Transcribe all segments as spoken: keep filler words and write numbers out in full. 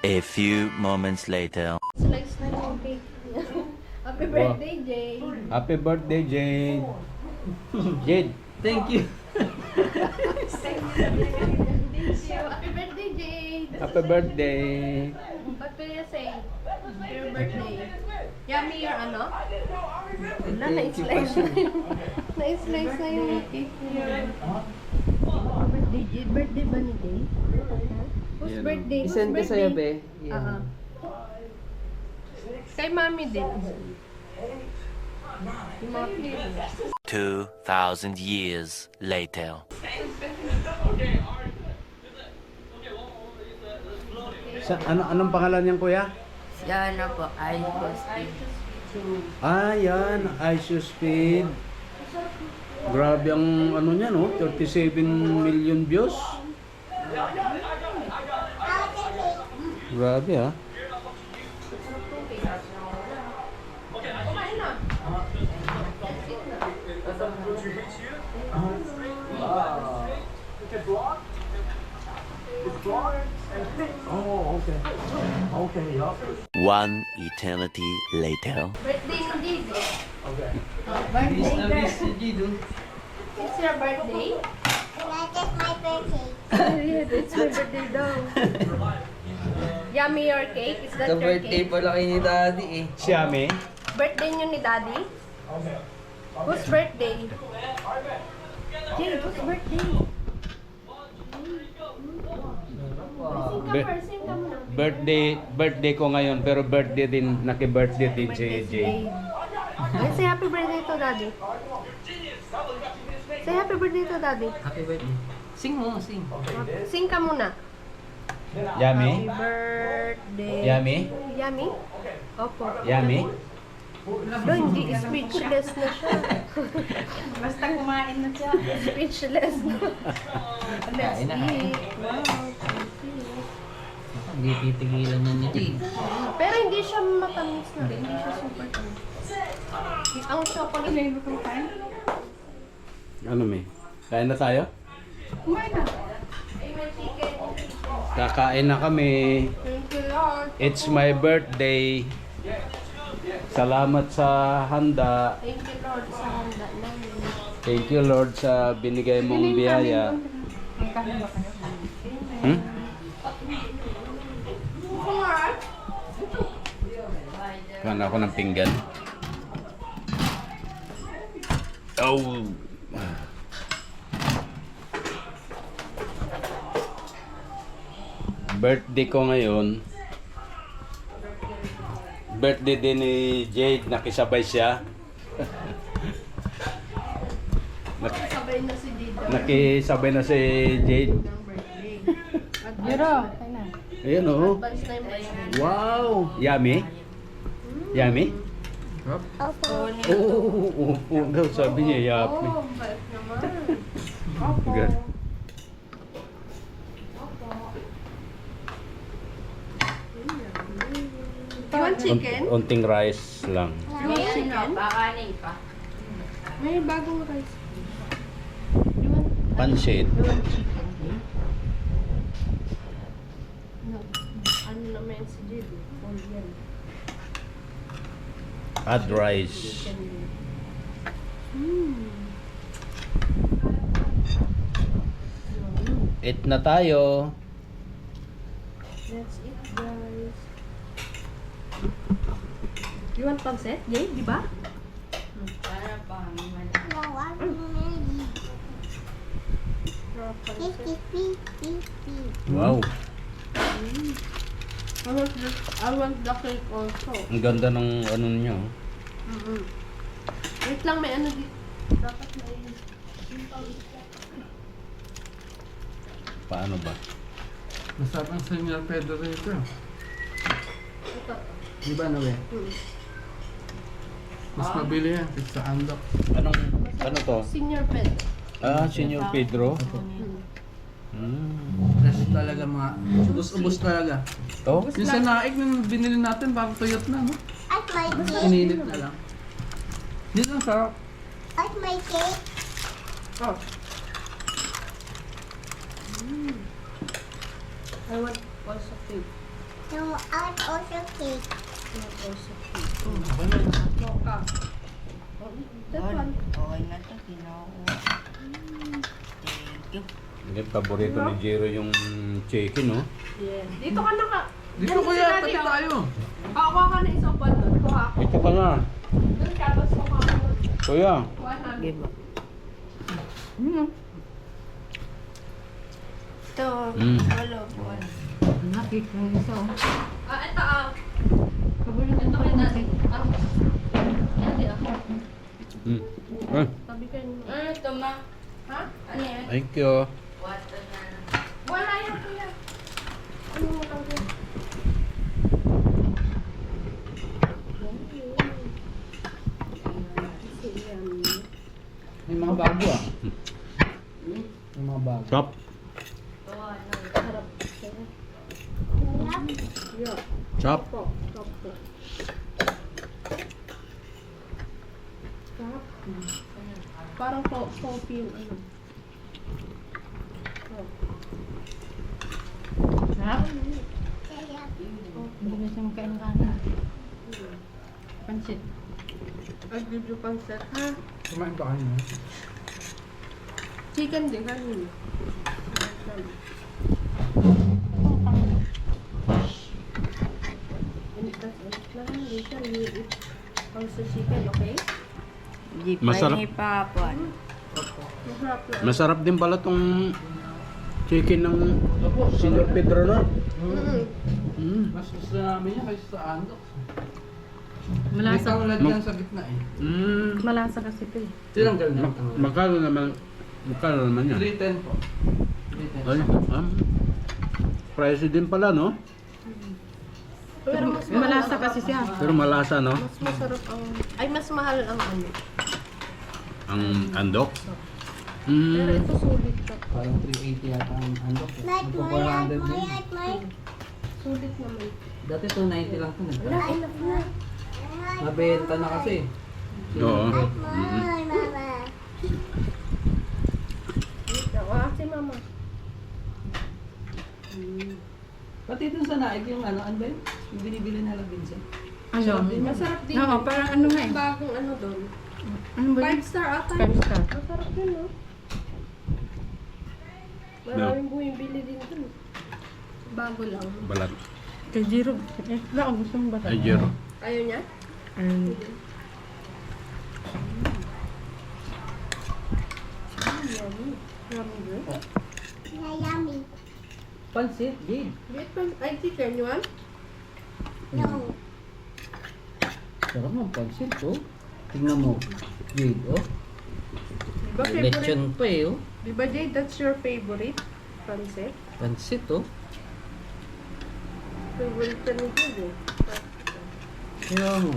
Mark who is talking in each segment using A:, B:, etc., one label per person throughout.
A: A few moments later.
B: Slice na yung cake. Happy birthday, Jade.
C: Happy birthday, Jade. Jade, thank you.
B: Thank you. Happy birthday, Jade.
C: Happy birthday.
B: What will you say? Your birthday. Yummy your ano? Wala, na-slice na yung... Na-slice na yung cake niya. Birthday, Jade. Birthday ba ni Jade? Whose birthday? Whose
D: I-send ko sa'yo,
B: birthday?
D: be.
B: Oo. Kay mami din. Yung mga pictures.
A: Two thousand years later.
C: Sa, ano, anong pangalan niyan, kuya?
D: Yan na po, ay
C: Ah, yan. Ice Speed. Grabe ang ano niya, no? thirty-seven million views. Grabe, ah.
E: Oh, okay. Okay, yeah.
A: One eternity later.
B: Birthday ni Jade.
E: Okay.
B: Oh, birthday girl.
D: Jido.
B: It's your birthday?
F: That is my birthday.
B: Yeah, it's my birthday daw. Yummy your cake? Is that
D: Sa
B: your
D: birthday
B: cake?
D: pala kayo ni Daddy eh.
C: Siyami.
B: Birthday niyo ni Daddy? Whose birthday? Jade, whose birthday? Sing ka
C: Bir-
B: first, sing ka muna.
C: Birthday, birthday ko ngayon, pero birthday din, naki-birthday din si
B: Birthday si
C: Jade.
B: Jade. Ay, say happy birthday to Daddy. Say happy birthday to Daddy.
D: Happy birthday. Sing mo, sing.
B: Sing ka muna.
C: Yummy?
B: Happy birthday.
C: Yummy?
B: Yummy? Opo.
C: Yummy?
B: No, hindi. Speechless na siya.
G: Basta kumain na siya.
B: Speechless na. Let's
D: Kain na.
B: eat. Wow, thank you.
D: Hindi titigilan na ni Jade.
B: Pero hindi siya matamis na rin. Hindi siya super tamis. Ang chocolate.
G: Ilan mo kumakain?
C: Ano, may? Kain na tayo?
G: Kumain na.
B: Ay, may chicken.
C: Kakain na kami.
B: Thank you, Lord.
C: It's my birthday. Salamat sa handa.
B: Thank you, Lord, sa handa namin.
C: Thank you, Lord, sa binigay mong biyaya.
G: Magkano ba kayo?
C: Hmm? Kuhan ako ng pinggan. Oh! Birthday ko ngayon. Birthday din ni Jade, nakisabay siya. Nak-
B: Sabay na si Dida.
C: nakisabay na si Jade.
B: ng birthday.
G: Jero, kain na.
C: Ayan oh.
B: Advance na yung birthday.
C: Wow! Yummy? Yummy?
F: Opo.
C: Oo, opo daw. Sabi niya, yummy.
B: Oh, bait naman.
C: Good.
B: You want chicken?
C: Unting rice lang.
B: You want chicken? May bagong rice. You want,
C: Pansit.
B: you want chicken? No. Ano naman si Jade? All yan.
C: Add rice.
B: Chicken din. Hmm.
C: Eat na tayo.
B: That's it, guys. You want pancit? Yay, di ba?
F: No, I'm ready. Fifty, fifty, fifty.
C: Wow.
B: I want the, I want the cake also.
C: Ang ganda ng ano niya. oh.
B: Mm-hmm. Wait lang, may ano dito. Dapat may...
C: Paano ba?
D: Masarap ang Senyor Pedro rito.
B: Ito.
D: Di ba, Noe?
B: Hmm.
D: Mas mabili yan, sa andok.
C: Anong, ano to?
B: Senior pet.
C: Ah, Senyor Pedro.
B: Hmm.
C: Mm.
D: Fresh talaga mga, ubus-ubus talaga.
C: To?
D: Yung sa naig nung binili natin, parang tuyot na, no?
F: At my cake.
D: Ininit na lang. Dito ang sarap.
F: At my cake.
B: Oh. I want also cake.
F: No, I also cake.
B: Mocha. That one.
H: Okay na to, Ginoo. Thank you.
C: Hindi, paborito ni Jero yung chicken, no?
B: Yes. Dito ka na ka.
D: Dito
B: Yan,
D: kuya,
B: sila
D: pati
B: dito.
D: tayo.
B: Kakuha ka na isang pan doon. Kuha ko.
C: Ito ka na.
B: Doon ka, tapos kuha ko doon.
C: Kuya.
B: Kuha namin.
H: Give up.
G: Hmm.
H: Ito,
C: Mm.
H: wala po.
G: Nakik ng isa oh.
B: Ah, ito ah.
G: Paborito
B: Ito
G: ko
B: kay
G: yung
B: daddy. Ah. Yan di ako.
C: Mm. Ah,
B: Tabi kayo.
H: Ano ito, ma?
B: Ha?
H: Ano yan?
C: thank you.
H: Water na.
B: Wala yan kuya. Ano mo lang yan?
C: May mga bago ah. May mga bago. Chop.
B: Yeah.
C: Chop.
B: Po. Stop po. Stop. Parang po, coffee yung ano.
G: Sarap. Hindi na siya makain ng kanin. Pansit.
B: Ay, bibyo pang set ha.
D: Kumain pa kayo.
B: Chicken din kanina. Also chicken, okay?
H: Di pa
C: Masarap.
H: ni Papuan.
B: Masarap na.
C: Masarap din pala tong chicken ng Senor Pedro, no?
B: Mm.
C: Mm.
D: Mas gusto namin yan kaysa sa andok. May
G: Malasa.
D: kaulad yan sa gitna eh.
C: Mm.
G: Malasa kasi ito eh.
D: Tinanggal na.
C: Ma- Magkano naman? Magkano naman yan?
D: three ten po. three ten.
C: Ay, um, pricey din pala, no?
B: Pero mas
G: Malasa kasi siya.
C: Pero malasa, no?
B: Mas masarap ang... Ay, mas mahal ang ano.
C: Ang andok.
B: Pero
C: Mm.
B: ito sulit ka.
D: Parang three eighty yata ang andok.
F: Like
D: Magpo
F: my,
D: four
F: like
D: hundred
F: my,
D: din.
F: like my.
B: Sulit naman.
D: Dati two ninety lang ito.
B: Wala,
D: nagka.
B: enough na.
D: Nabenta na kasi.
C: Oo.
F: Like
C: Mm.
F: my, mama.
B: Ah, si mama.
D: Pati dun sa naig yung ano, ano ba yun? Yung binibili na lang Vincent.
G: Ano?
B: Masarap din.
G: Oo,
B: yun.
G: parang ano nga eh.
B: Yung bagong ano doon.
G: Ano ba
B: Five
G: yun?
B: star ata.
G: Five star.
B: Masarap yun, no? Maraming buhing bili din dun. Bago lang.
C: Balat.
G: Kay Jiro. Eh, wala ako gusto mong bata.
C: Ay, Jero.
B: Ayaw niya?
G: Um,
B: Yummy. Yummy good.
F: Yeah, yummy.
D: Pansit, Gabe.
B: Wait, pa- ay, chicken, you want?
F: No.
D: Sarap ng pansit, oh. Tingnan mo. Gabe, oh.
B: Diba favorite?
D: Lechon pa eh, oh.
B: Diba, Jade, that's your favorite? Pancit?
D: Pansit, oh.
B: Favorite ka ni Jade, eh.
D: Kaya mo.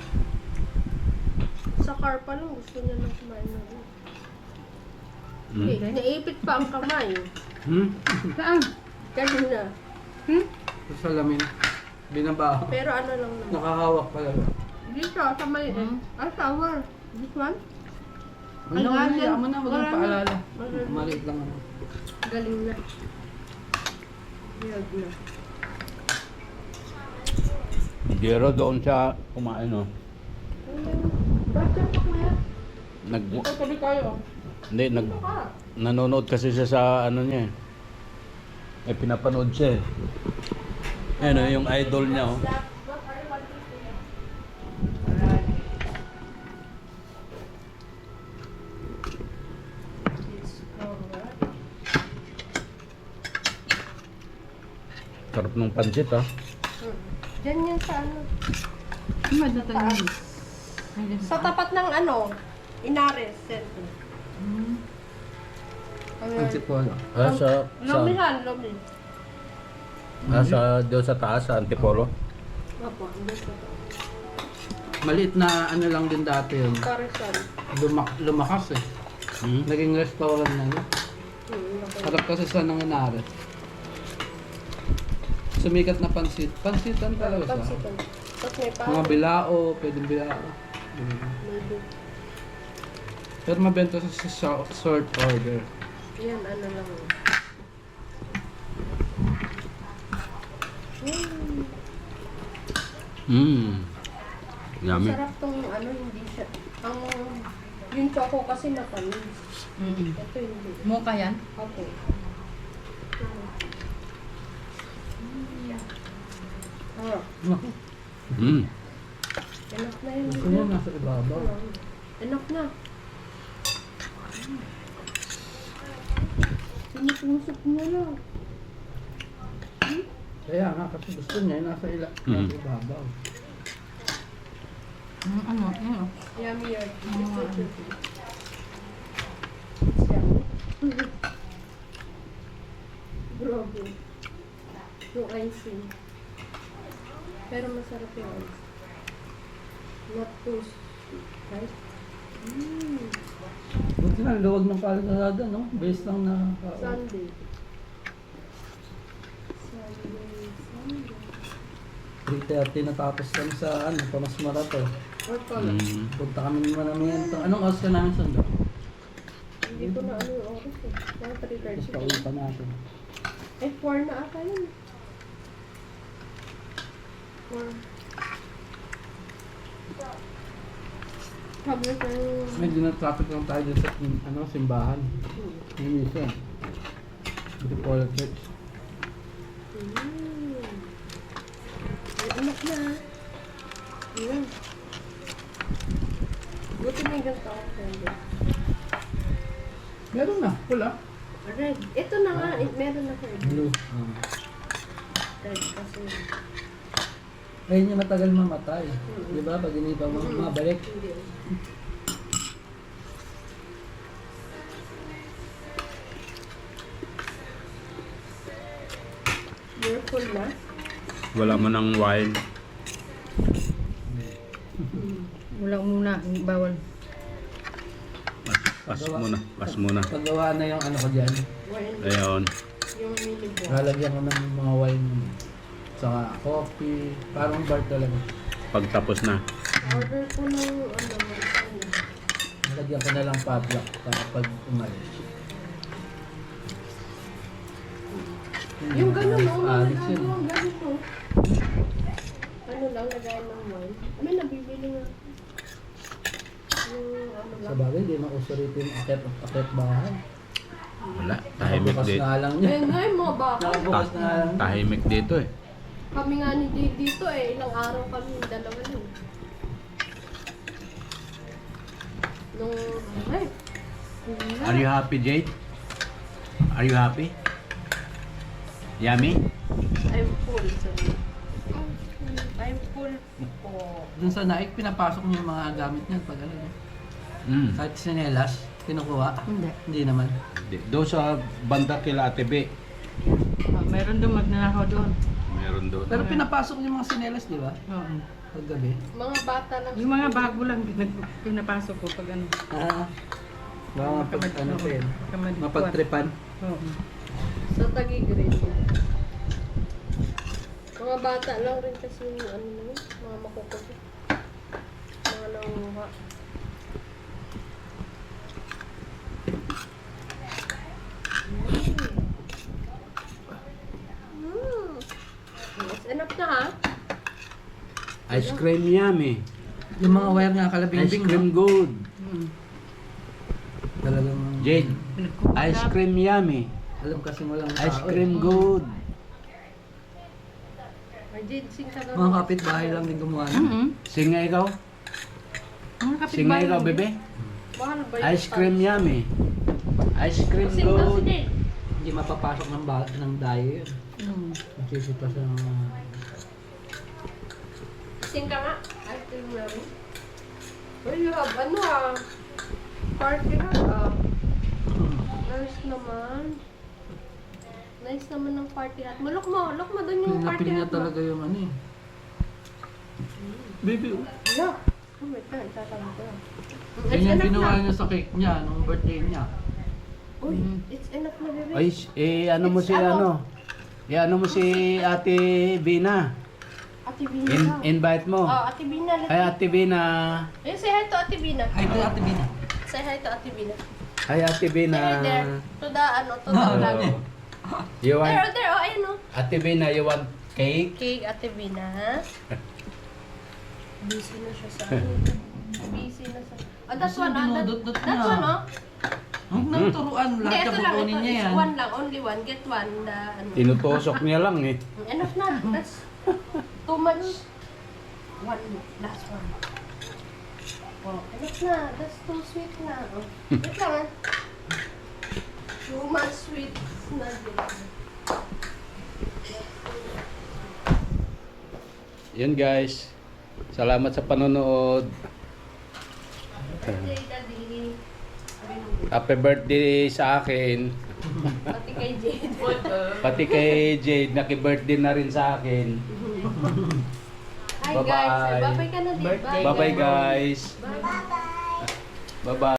B: Sa car pa lang, gusto niya nang kumain na rin.
C: Mm.
B: Eh, naipit pa ang kamay.
C: Hmm?
G: saan?
B: Kanina.
D: Sa salamin. Binabaho.
B: Pero ano lang naman.
D: Nakahawak pala.
B: Dito, sa may,
G: Hmm?
B: ah, sour. This one?
D: Ano
B: Ay,
D: na,
B: ganyan.
D: hayaan mo na, wag
B: Wala
D: mong
B: na.
D: paalala.
B: Wala na.
D: Maliit lang ano.
B: Galing na. Weird na.
C: Jero doon siya kumain, no?
B: Ba't yan pa kuya?
C: Nag...
B: Ito, tabi kayo.
C: Hindi, nag...
B: Ito ka.
C: Nanonood kasi siya sa ano niya eh. May pinapanood siya eh. Ayun oh, yung idol niya oh. Sarap ng pansit ah.
B: Diyan yan sa ano.
G: Ano ba dito yun? Ay, dyan
B: Sa tapat ng ano, Inares Center.
G: Hmm.
D: Pansit po ano.
C: Ah, sa... sa
B: Lomihan, Lomi.
C: ah, sa... Doon sa taas, sa Antipolo.
B: Opo, hindi sa to.
D: Maliit na ano lang din dati yun.
B: Karesan.
D: Lumak lumakas eh.
C: Hmm?
D: Naging restaurant na yun.
B: Hmm, okay.
D: Harap kasi sa nangyari. Sumikat na pansit. Pansitan talaga siya.
B: Pansitan. Tapos may pa.
D: Mga bilao, pwedeng bilao.
B: Maybe.
D: Pero mabenta sa sa sa- short order.
B: Yan, ano lang.
C: Mmm. Yummy.
B: Masarap tong ano, hindi siya. Ang yung choco kasi matamis.
G: Mm-mm.
B: Ito hindi.
G: Mocha yan?
B: Opo. Ah,
D: Naku,
C: Mmm.
B: enough na yun.
D: gusto niya nasa ibabaw.
B: Enough na. Pinupusok niya lang.
D: Kaya nga, kasi gusto niya yung nasa, ila,
C: Mhm.
D: nasa ibabaw.
G: Mm, ano? Ano?
B: Yummy yun.
G: Mm.
B: Grabe. Yung icing. Pero masarap yung ice. Not too sweet, right? Mm.
D: Buti na, luwag ng kalsada, no? Base lang na kao.
B: Sunday. Sunday, Sunday.
D: three thirty natapos kami sa ano, Tomas Marato.
B: Or pala.
C: Mm.
D: Punta kami naman namin ito. Anong oras ka namin sando?
B: Hindi ko na ano yung oras eh. Mga three
D: Tapos
B: thirty.
D: pauwi pa natin.
B: Eh, four na ata yun. four. Sabi ko yung...
D: Medyo na-traffic lang tayo dun sa ano, simbahan. Yung isa. Hindi po ulit church.
B: Mm. May anak na. Yun. Buti may ganito ako friend.
D: Meron na, pula.
B: Red. Ito na nga. eh, Meron na red.
D: Blue. Ah.
B: Red kasi.
D: Ayun yung matagal mamatay. Di ba? Pag hindi pa ma- mabalik.
B: Hindi. You're full na?
C: Wala mo ng wine.
G: Wala muna. Bawal.
C: Pas, pas muna. Pas muna.
D: Paggawa na yung ano ko dyan.
B: Wine.
C: Ayun.
B: Yung mini boy.
D: Lalagyan ko ng mga wine. Saka coffee. Parang bar talaga.
C: Pagtapos na.
B: Order ko ng ano, ano.
D: Lalagyan ko na lang padlock para pag umalis.
B: Yung gano'n, no? Mga
D: Alis yun.
B: nagagawa, ganito. Ano lang, lagayan ng wine. Ano, nabibili nga. Yung ano
D: Sa
B: lang.
D: bagay, di na uso rito yung akit at akit bahay.
C: Wala. Tahimik
D: Nakabukas
C: dito.
D: na lang niya.
B: Eh, nga yung mga baka.
D: Nakabukas na lang.
C: Tahimik dito eh.
B: Kami nga ni Jade dito eh. Ilang araw kami, dalawa lang. Nung, ay. wala.
C: Are you happy, Jade? Are you happy? Yummy?
B: I'm full, sorry. I'm full po.
D: Dun sa naik, pinapasok niyo yung mga gamit niyan pag ano. no?
C: Mm.
D: Kahit sinelas, kinukuha.
G: Hindi.
D: Hindi naman.
C: Doon sa banda kila Ate B.
G: Ah, meron doon magnanakaw doon.
C: Meron doon.
D: Pero pinapasok niyo yung mga sinelas, di ba?
G: Oo.
D: Pag gabi.
B: Mga bata lang.
G: Yung mga bago lang pinag- pinapasok ko pag ano.
D: Ah. Baka mapag, ano pa yun.
G: Kamad-
D: Mapagtripan.
G: Oo.
B: Sa Taguig-Grade. Mga bata lang rin kasi yung ano na yun, mga makukulit. Mga nanguha. Mm. Yes, enough na ha?
C: Ice cream yummy.
D: Yung mga wire nga
C: Ice
D: kalabing-bing.
C: cream
D: no?
C: good.
G: Mm.
D: Talagang...
C: Jade, ice cream yummy.
D: Alam kasi mo lang
C: Ice
D: tao,
C: cream
D: eh.
C: good.
B: May ginseng ka daw.
D: Mga kapitbahay lang din gumawa. nun.
G: Mm-hmm.
C: Singa ikaw?
G: Mga kapitbahay
C: Singa ikaw,
G: lang.
C: bebe?
B: Mahal ba yun?
C: Ice cream yummy. Ice cream
B: Sing daw si
C: good.
B: Jade.
D: Hindi mapapasok ng, ba- ng dayo yun.
G: Mm.
D: Masisita sa mga...
B: Sing ka nga. Ice cream namin. Well, you have ano ah. Party ha ah. Nice naman. Nice naman ng party hat. Malok mo, look mo doon yung party
D: Pinapil niya
B: hat mo.
D: talaga yung ano eh. Baby, oh.
B: Look. Oh my God, tatama ko lang. It's
D: Yan yung
B: enough
D: ginawa
B: na.
D: niya sa cake niya, nung birthday niya.
B: Uy, it's enough na, bebe.
C: Ay, eh, ano mo
B: It's
C: si
B: ano?
C: ano? Eh, ano mo si Ate Bina?
B: Ate Bina
C: In,
B: daw.
C: invite mo.
B: Oh, Ate Bina. let's-
C: Ay, Ate Bina.
B: Eh, say hi to Ate Bina.
D: Ay, ito Ate Bina.
B: Say hi to Ate Bina.
C: Ay, Ate Bina.
B: Say hi there. To the, ano, to the vlog.
C: Oh. You
B: There,
C: want,
B: oh, there, oh, ayun oh.
C: Ate Bina, you want Cake.
B: Cake, Ate Vina. Busy na siya sa ano. Busy na sa... Ah, that's one, ah. That,
G: Dinudot-dot
B: that's
G: niya.
B: one, oh.
G: Huwag nang turuan.
B: Hindi,
G: Lahat
B: ito
G: ka
B: lang.
G: pupunin
B: Ito
G: niya
B: is
G: yan.
B: one lang. Only one. Get one. The, ano.
C: Tinutusok niya lang eh.
B: Enough na. That's too much. One. Last one. Oh, enough na. That's too sweet na. Oh. Wait lang, ah. Too much sweet na din.
C: Yun guys. Salamat sa panonood.
B: Birthday, Daddy.
C: Happy birthday sa akin.
B: Pati kay Jade.
C: Pati kay Jade, naki-birthday na rin sa akin.
B: Hi
C: Bye-bye.
B: guys. Bye-bye ka na, di ba?
C: Bye-bye guys.
B: Bye-bye.
C: Bye-bye.